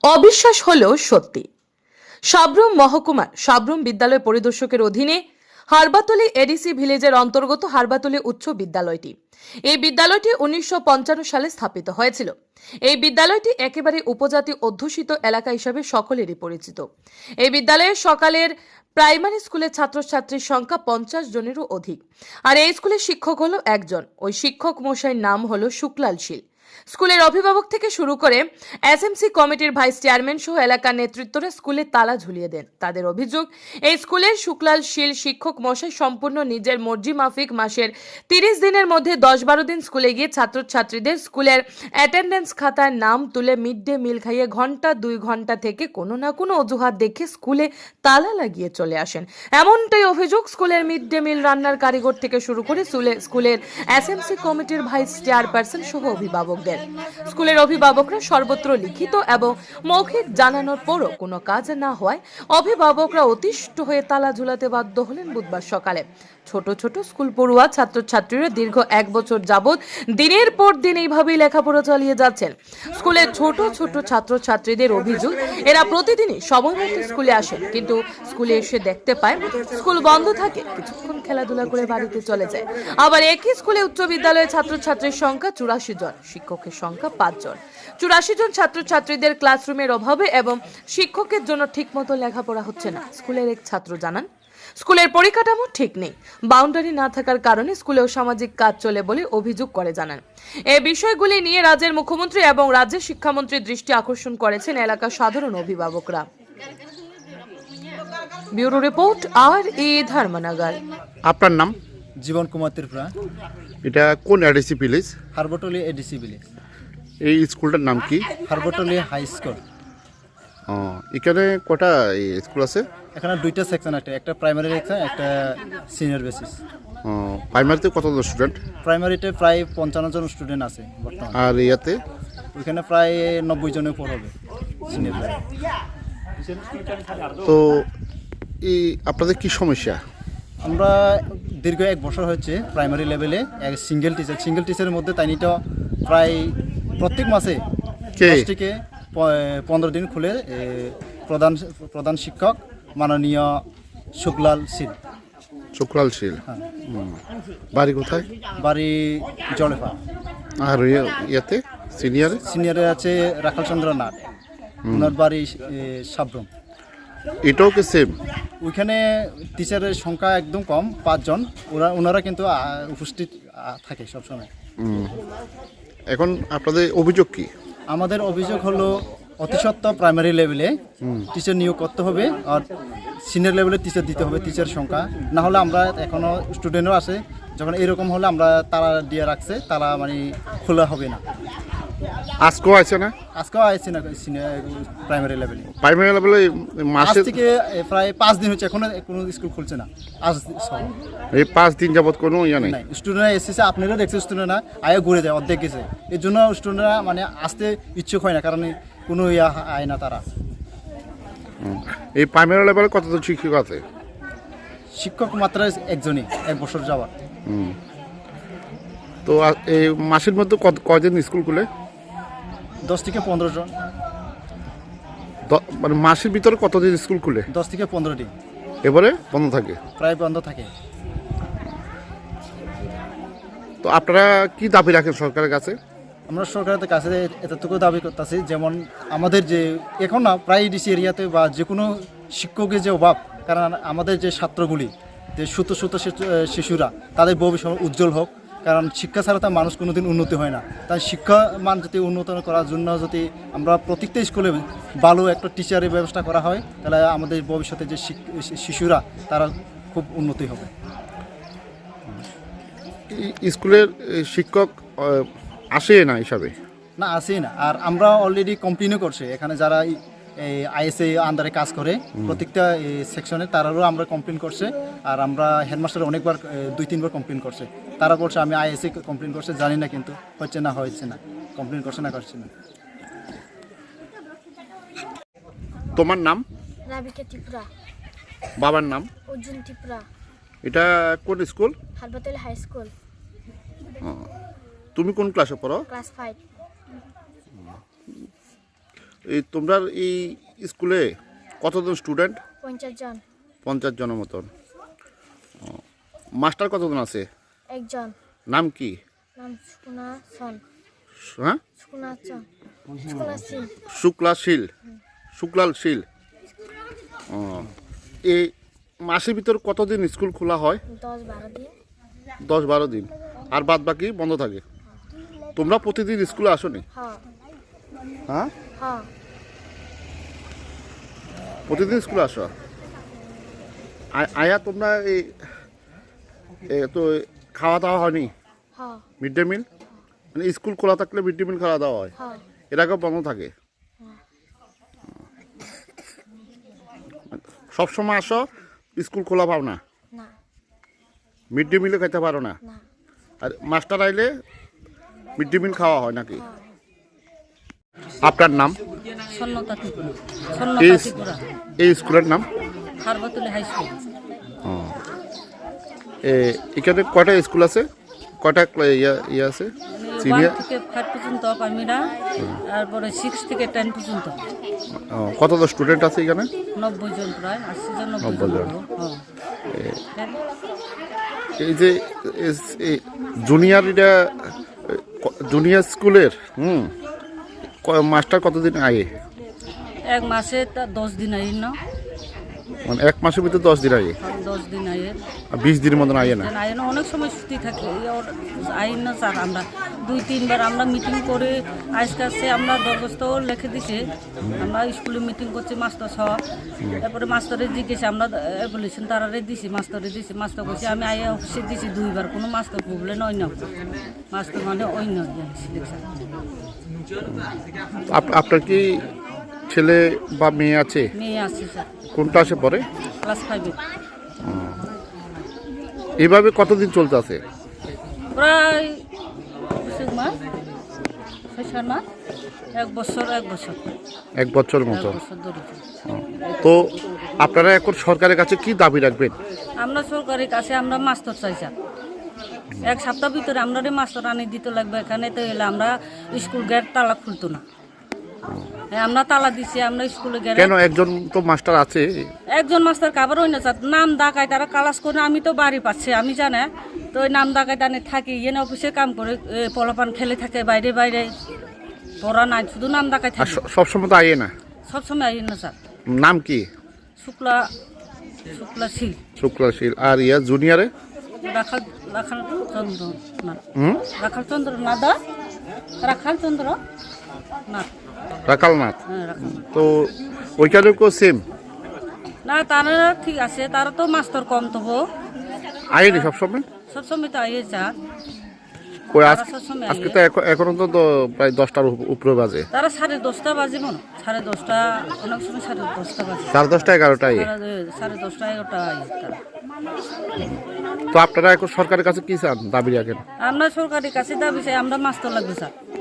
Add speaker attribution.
Speaker 1: অবিশ্বাস হলেও সত্যি। সাব্রুম মহকুমার সাব্রুম বিদ্যালয় পরিদর্শকের অধীনে হারবাতলী এডিসি ভিলেজের অন্তর্গত হারবাতলী উচ্চ বিদ্যালয়টি। এই বিদ্যালয়টি 1955 সালে স্থাপিত হয়েছিল। এই বিদ্যালয়টি একেবারে উপজাতি অধ্যুষিত এলাকা হিসাবে সকলেরই পরিচিত। এই বিদ্যালয়ে সকালের প্রাইমারি স্কুলের ছাত্রছাত্রীর সংখ্যা 50 জনেরও অধিক। আর এই স্কুলের শিক্ষক হলো একজন। ওই শিক্ষক মশাইয়ের নাম হলো শুক্লাল শীল। স্কুলের অভিভাবক থেকে শুরু করে এসএমসি কমিটির ভাইস চেয়ারম্যান সহ এলাকার নেতৃত্বরা স্কুলে তালা ঝুলিয়ে দেন। তাদের অভিযোগ, এই স্কুলের শুক্লাল শীল শিক্ষক মশাই সম্পূর্ণ নিজের মর্জি মাফিক মাসের 30 দিনের মধ্যে 10-12 দিন স্কুলে গিয়ে ছাত্রছাত্রীদের স্কুলের অ্যাটেন্ডেন্স খাতায় নাম তুলে মিড ডে মিল খাইয়ে ঘন্টা 2 ঘন্টা থেকে কোনো না কোনো অজুহাত দেখে স্কুলে তালা লাগিয়ে চলে আসেন। এমনটাই অভিযোগ স্কুলের মিড ডে মিল রান্নার কারিগর থেকে শুরু করে স্কুলের এসএমসি কমিটির ভাইস চেয়ারপারসন সহ অভিভাবকদের। স্কুলের অভিভাবকরা সর্বত্র লিখিত এবং মৌখিক জানানোর পরও কোনো কাজ না হওয়ায় অভিভাবকরা অতিষ্ঠ হয়ে তালা ঝুলাতে বাধ্য হলেন বুধবার সকালে। ছোট ছোট স্কুল পড়ুয়া ছাত্রছাত্রীরা দীর্ঘ 1 বছর যাবৎ দিনের পর দিন এইভাবেই লেখাপড়া চালিয়ে যাচ্ছেন। স্কুলের ছোট ছোট ছাত্রছাত্রীদের অভিযোগ, এরা প্রতিদিনই সময় মতো স্কুলে আসেন, কিন্তু স্কুলে এসে দেখতে পায় স্কুল বন্ধ থাকে, কিছুক্ষণ খেলাধুলা করে বাড়িতে চলে যায়। আবার একই স্কুলে উচ্চ বিদ্যালয়ের ছাত্রছাত্রীর সংখ্যা 84 জন, শিক্ষকের সংখ্যা 5 জন। 84 জন ছাত্রছাত্রীদের ক্লাসরুমের অভাবে এবং শিক্ষকের জন্য ঠিকমতো লেখাপড়া হচ্ছে না। স্কুলের এক ছাত্র জানান, স্কুলের পরিকাঠামো ঠিক নেই, বাউন্ডারি না থাকার কারণে স্কুলেও সামাজিক কাজ চলে বলে অভিযোগ করে জানান। এই বিষয়গুলি নিয়ে রাজ্যের মুখ্যমন্ত্রী এবং রাজ্যের শিক্ষামন্ত্রীর দৃষ্টি আকর্ষণ করেছেন এলাকার সাধারণ অভিভাবকরা। ব্যুরো রিপোর্ট আর ধর্মনগর।
Speaker 2: আপনার নাম?
Speaker 3: জীবন কুমার ত্রিপুরা।
Speaker 2: এটা কোন ADC village?
Speaker 3: Harbatali ADC village.
Speaker 2: এই স্কুলটার নাম কি?
Speaker 3: Harbatali high school.
Speaker 2: এখানে কটা স্কুল আছে?
Speaker 3: এখানে 2টা সেকশন আছে, একটা প্রাইমারি সেকশন, একটা সিনিয়র বেসিস।
Speaker 2: প্রাইমারিতে কতজন স্টুডেন্ট?
Speaker 3: প্রাইমারিতে প্রায় 55 জন স্টুডেন্ট আছে বর্তমানে।
Speaker 2: আর ইয়াতে?
Speaker 3: ওইখানে প্রায় 90 জনের পর হবে সিনিয়র।
Speaker 2: তো এই আপনাদের কি সমস্যা?
Speaker 3: আমরা দীর্ঘ 1 বছর হচ্ছে প্রাইমারি লেভেলে সিঙ্গেল টিচারের মধ্যে তাইনিটা প্রায় প্রত্যেক মাসে 10 থেকে 15 দিন খুলে প্রধান শিক্ষক মাননীয় শুক্লাল শীল।
Speaker 2: শুক্লাল শীল, বাড়ি কোথায়?
Speaker 3: বাড়ি জলেফা।
Speaker 2: আর ইয়াতে
Speaker 3: সিনিয়রে আছে রাখাল চন্দ্র নাথ, ওনার বাড়ি সাব্রুম।
Speaker 2: এটাও কি সেম?
Speaker 3: ওইখানে টিচারের সংখ্যা একদম কম, 5 জন। ওনারা কিন্তু উপস্থিত থাকে সবসময়।
Speaker 2: এখন আপনাদের অভিযোগ কি?
Speaker 3: আমাদের অভিযোগ হলো অতি সত্ত্বর প্রাইমারি লেভেলে টিচার নিয়োগ করতে হবে, আর সিনিয়র লেভেলে টিচার দিতে হবে। টিচার সংখ্যা না হলে আমরা এখনও স্টুডেন্টও আছে, যখন এরকম হলে আমরা তারা দিয়ে রাখছে, তারা মানে খোলা হবে না।
Speaker 2: আজকেও আছে না?
Speaker 3: আজকেও আছে না প্রাইমারি লেভেলে।
Speaker 2: প্রাইমারি লেভেলে মাসে
Speaker 3: থেকে প্রায় 5 দিন হচ্ছে, এখনো কোনো স্কুল খুলছে না। আজ
Speaker 2: এই 5 দিন যাবত কোনো ইয়া নেই।
Speaker 3: স্টুডেন্টরা এসেছে, আপনারা দেখছেন স্টুডেন্টরা আয়া ঘুরে যায়, অর্ধেক গেছে। এর জন্য স্টুডেন্টরা মানে আসতে ইচ্ছুক হয় না, কারণ কোনো ইয়া আয় না তারা।
Speaker 2: এই প্রাইমারি লেভেলে কতজন শিক্ষক আছে?
Speaker 3: শিক্ষক মাত্র একজনই, 1 বছর যাওয়ার।
Speaker 2: তো এই মাসের মধ্যে কয়দিন স্কুল খুলে?
Speaker 3: 10 থেকে 15 জন।
Speaker 2: মানে মাসের ভিতরে কতদিন স্কুল খুলে?
Speaker 3: 10 থেকে 15 দিন।
Speaker 2: এবারে বন্ধ থাকে?
Speaker 3: প্রায় বন্ধ থাকে।
Speaker 2: তো আপনারা কি দাবি রাখেন সরকারের কাছে?
Speaker 3: আমরা সরকারের কাছে এতটুকু দাবি করতেছি, যেমন আমাদের যে এখন না প্রায় ডিসি এরিয়াতে বা যে কোনো শিক্ষকের যে অভাব, কারণ আমাদের যে ছাত্রগুলি, যে শত শিশুরা, তাদের ভবিষ্যৎ উজ্জ্বল হোক। কারণ শিক্ষা ছাড়া তো মানুষ কোনোদিন উন্নতি হয় না। তাই শিক্ষা মান যদি উন্নত করার জন্য যদি আমরা প্রত্যেকটা স্কুলে ভালো একটা টিচারের ব্যবস্থা করা হয়, তাহলে আমাদের ভবিষ্যতে যে শিশুরা তারা খুব উন্নতি হবে।
Speaker 2: স্কুলের শিক্ষক আসে না হিসাবে?
Speaker 3: না, আসেই না। আর আমরা অলরেডি কমপ্লেনও করছি, এখানে যারা এই আইএসএ আন্ডারে কাজ করে প্রত্যেকটা সেকশনে, তারারও আমরা কমপ্লেন করছে। আর আমরা হেডমাস্টার অনেকবার 2-3 বার কমপ্লেন করছে। তারা বলছে আমি আইএসএ কমপ্লেন করছে, জানি না, কিন্তু হচ্ছে না কমপ্লেন করছে না।
Speaker 2: তোমার নাম?
Speaker 4: রাবিকা ত্রিপুরা।
Speaker 2: বাবার নাম?
Speaker 4: অর্জুন ত্রিপুরা।
Speaker 2: এটা কোন স্কুল?
Speaker 4: হারবাতলী high school.
Speaker 2: তুমি কোন ক্লাসে পড়ো?
Speaker 4: ক্লাস 5।
Speaker 2: এই তোমরা এই স্কুলে কতজন স্টুডেন্ট?
Speaker 4: 50 জন।
Speaker 2: 50 জনের মতন। মাস্টার কতজন আছে?
Speaker 4: একজন।
Speaker 2: নাম কি?
Speaker 4: নাম সুকুনা সন।
Speaker 2: হ্যাঁ,
Speaker 4: সুকুনা সন। সুকুনা সিং।
Speaker 2: শুক্লাল শীল। এই মাসের ভিতর কতদিন স্কুল খোলা হয়?
Speaker 4: 10-12 দিন।
Speaker 2: 10-12 দিন, আর বাদ বাকি বন্ধ থাকে। তোমরা প্রতিদিন স্কুলে আসো নি?
Speaker 4: হ্যাঁ।
Speaker 2: হ্যাঁ,
Speaker 4: হ্যাঁ।
Speaker 2: প্রতিদিন স্কুলে আসো। আয়া তোমরা এই তো খাওয়া দাওয়া হয়নি?
Speaker 4: হ্যাঁ।
Speaker 2: মিড ডে মিল, মানে স্কুল খোলা থাকলে মিড ডে মিল খাওয়া দাওয়া হয়,
Speaker 4: হ্যাঁ।
Speaker 2: এর আগে বন্ধ থাকে। সবসময় আসো, স্কুল খোলা পাও না?
Speaker 4: না।
Speaker 2: মিড ডে মিলে খেতে পারো না?
Speaker 4: না।
Speaker 2: আর মাস্টার আইলে মিড ডে মিল খাওয়া হয় নাকি? আপনার নাম?
Speaker 5: সন্নতা ত্রিপুরা।
Speaker 2: এই
Speaker 5: সন্নতা ত্রিপুরা।
Speaker 2: এই স্কুলের নাম?
Speaker 5: Harbatuli high school.
Speaker 2: এখানে কয়টা স্কুল আছে? কয়টা ইয়ে আছে?
Speaker 5: 1
Speaker 2: সিনিয়র
Speaker 5: থেকে 5 পর্যন্ত প্রাইমারি, তারপরে 6 থেকে 10 পর্যন্ত।
Speaker 2: কতজন স্টুডেন্ট আছে এখানে?
Speaker 5: 90 জন, প্রায় 80 জন 90
Speaker 2: 90 জন।
Speaker 5: জন। হ্যাঁ।
Speaker 2: এই যে জুনিয়র এটা জুনিয়র স্কুলের মাস্টার কতদিন আগে?
Speaker 5: এক মাসে 10 দিন আইন না,
Speaker 2: মানে এক মাসের ভিতরে 10 দিন আগে,
Speaker 5: 10 দিন আইন।
Speaker 2: আর 20 দিনের মতন আগে না?
Speaker 5: আইন অনেক সময় ছুটি থাকে, আইন না স্যার। আমরা 2-3 বার আমরা মিটিং করে আজকে আমরা দরখাস্ত লিখে দিছে। আমরা স্কুলে মিটিং করছি মাস্টার সহ, তারপরে মাস্টারে জিজ্ঞেসে আমরা বলেছেন তারারে দিছি, মাস্টারে দিছি। মাস্টার কইছে আমি আইয়া অফিসে দিছি 2 বার, কোনো মাস্টার প্রবলেম হয় না। মাস্টার মানে ওই না সিলেকশন।
Speaker 2: আপনার কি ছেলে বা মেয়ে আছে?
Speaker 5: মেয়ে আছে স্যার,
Speaker 2: কোন ক্লাসে পড়ে?
Speaker 5: ক্লাস 5-এ।
Speaker 2: এইভাবে কতদিন চলতে আছে?
Speaker 5: প্রায় 6 মাস, 6-7 মাস, 1 বছর 1 বছর
Speaker 2: এক বছর মতো।
Speaker 5: 1 বছর ধরে চলছে।
Speaker 2: তো আপনারা এখন সরকারের কাছে কি দাবি রাখবেন?
Speaker 5: আমরা সরকারের কাছে আমরা মাস্টার চাই স্যার। 1 সপ্তাহ ভিতরে আমরা মাস্টার আনি দিতে লাগবে। এখানে তো এলে আমরা স্কুল গেট তালা খুলতো না। আমরা তালা দিছি, আমরা স্কুলে গেলে
Speaker 2: কেন একজন তো মাস্টার আছে?
Speaker 5: একজন মাস্টার কাবার হই না স্যার, নাম ডাকায় তারা কালাস করে। আমি তো বাড়ি পাচ্ছি, আমি জানে তো ওই নাম ডাকায় টানে থাকি, এনে অফিসে কাম করে, পোলাপান খেলে থাকে বাইরে বাইরে, পড়া নাই, শুধু নাম ডাকায়
Speaker 2: আর
Speaker 5: থাকে।
Speaker 2: সবসময় তো আইয়ে না?
Speaker 5: সবসময় আই না স্যার।
Speaker 2: নাম কি?
Speaker 5: শুক্লা শীল।
Speaker 2: শুক্লা শীল। আর ইয়া জুনিয়রে?
Speaker 5: রাখাল চন্দ্র না, রাখাল চন্দ্র না দা, রাখাল চন্দ্র না,
Speaker 2: রাকালনাথ।
Speaker 5: হ্যাঁ রাখাল।
Speaker 2: তো ওইখানেও কেউ সেম?
Speaker 5: না তারা ঠিক আছে, তারা তো মাস্টার কম তবু
Speaker 2: আইনি সবসময়?
Speaker 5: সবসময় তো আইয়ে স্যার।
Speaker 2: ওই
Speaker 5: তারা সবসময়
Speaker 2: আজকে
Speaker 5: আইয়ে।
Speaker 2: তো এখনো তো প্রায় 10টার উপরে বাজে।
Speaker 5: তারা 10:30 বাজে মনে, 10:30, অনেক সময় 10:30 বাজে।
Speaker 2: 10:30 11টা আইয়ে।
Speaker 5: 10:30 11টা আইয়ে তারা।
Speaker 2: তো আপনারা এখন সরকারের কাছে কি চান, দাবি রাখেন?
Speaker 5: আমরা সরকারের কাছে দাবি চাই, আমরা মাস্টার লাগবে স্যার।